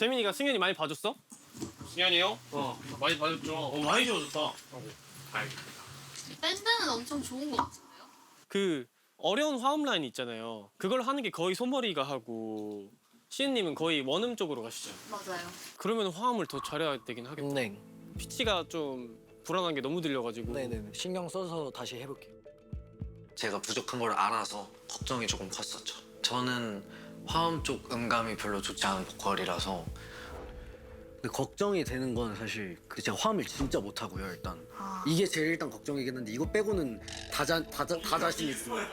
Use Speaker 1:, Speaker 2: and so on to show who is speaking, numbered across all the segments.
Speaker 1: 재민이가 승현이 많이 봐줬어? 승현이요? 많이 봐줬죠. 많이 좋아졌다.
Speaker 2: 밴드는 엄청 좋은 것 같은데요?
Speaker 1: 그 어려운 화음 라인 있잖아요. 그걸 하는 게 거의 손머리가 하고 시은님은 거의 원음 쪽으로 가시죠.
Speaker 2: 맞아요.
Speaker 1: 그러면 화음을 더 잘해야 되긴 하겠다.
Speaker 3: 네.
Speaker 1: 피치가 좀 불안한 게 너무 들려가지고.
Speaker 3: 네네. 신경 써서 다시 해볼게요.
Speaker 4: 제가 부족한 걸 알아서 걱정이 조금 컸었죠. 저는 화음 쪽 음감이 별로 좋지 않은 보컬이라서.
Speaker 3: 근데 걱정이 되는 건 사실 그 제가 화음을 진짜 못하고요. 일단 이게 제일 일단 걱정이긴 한데 이거 빼고는 다 자신 있어요.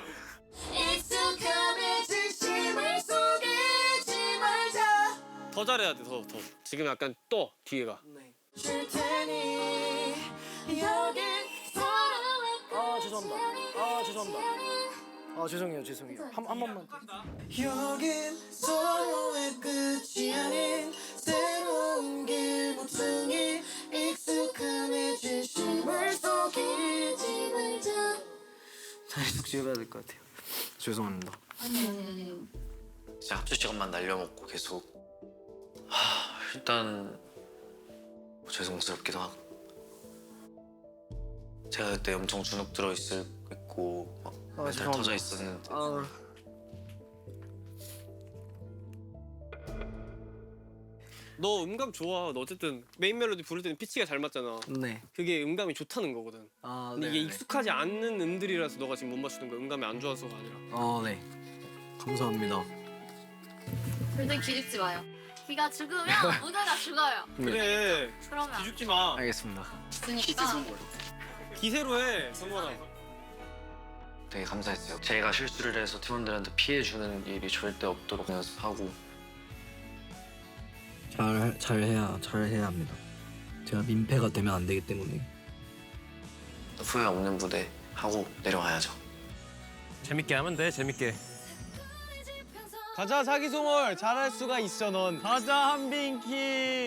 Speaker 2: 익숙함의 진심을 속이지 말자.
Speaker 1: 더 잘해야 돼, 더. 지금 약간 또 뒤에가.
Speaker 2: 줄 테니 여기
Speaker 3: 아 죄송해요. 한 번만.
Speaker 2: 여긴 서로의 끝이 아닌 새로운 길 모퉁이 익숙함의 진심을 속이지 말자.
Speaker 3: 다시 숙지해봐야 될 것 같아요. 죄송합니다.
Speaker 2: 아니.
Speaker 4: 진짜 합주 시간만 날려먹고 계속 일단 죄송스럽기도 하고 제가 그때 엄청 주눅 들어 있고 막 멘탈
Speaker 3: 죄송합니다.
Speaker 4: 터져 있었는데
Speaker 1: 너 음감 좋아. 너 어쨌든 메인 멜로디 부를 때는 피치가 잘 맞잖아.
Speaker 3: 네.
Speaker 1: 그게 음감이 좋다는 거거든. 근데 이게 익숙하지 않는 음들이라서 너가 지금 못 맞추는 거야. 음감이 안 좋아서가 아니라.
Speaker 3: 네. 감사합니다.
Speaker 2: 절대 기죽지 마요. 기가 죽으면 무대가 죽어요.
Speaker 1: 그래.
Speaker 2: 그러면
Speaker 1: 기죽지 마.
Speaker 3: 알겠습니다.
Speaker 2: 죽으니까.
Speaker 1: 기세로 해, 성관아.
Speaker 4: 되게 감사했어요. 제가 실수를 해서 팀원들한테 피해 주는 일이 절대 없도록 연습하고
Speaker 3: 잘해야 합니다. 제가 민폐가 되면 안 되기 때문에.
Speaker 4: 후회 없는 무대 하고 내려와야죠.
Speaker 5: 재밌게 하면 돼, 재밌게.
Speaker 1: 가자, 사기송월. 잘할 수가 있어, 넌. 가자, 한빈키.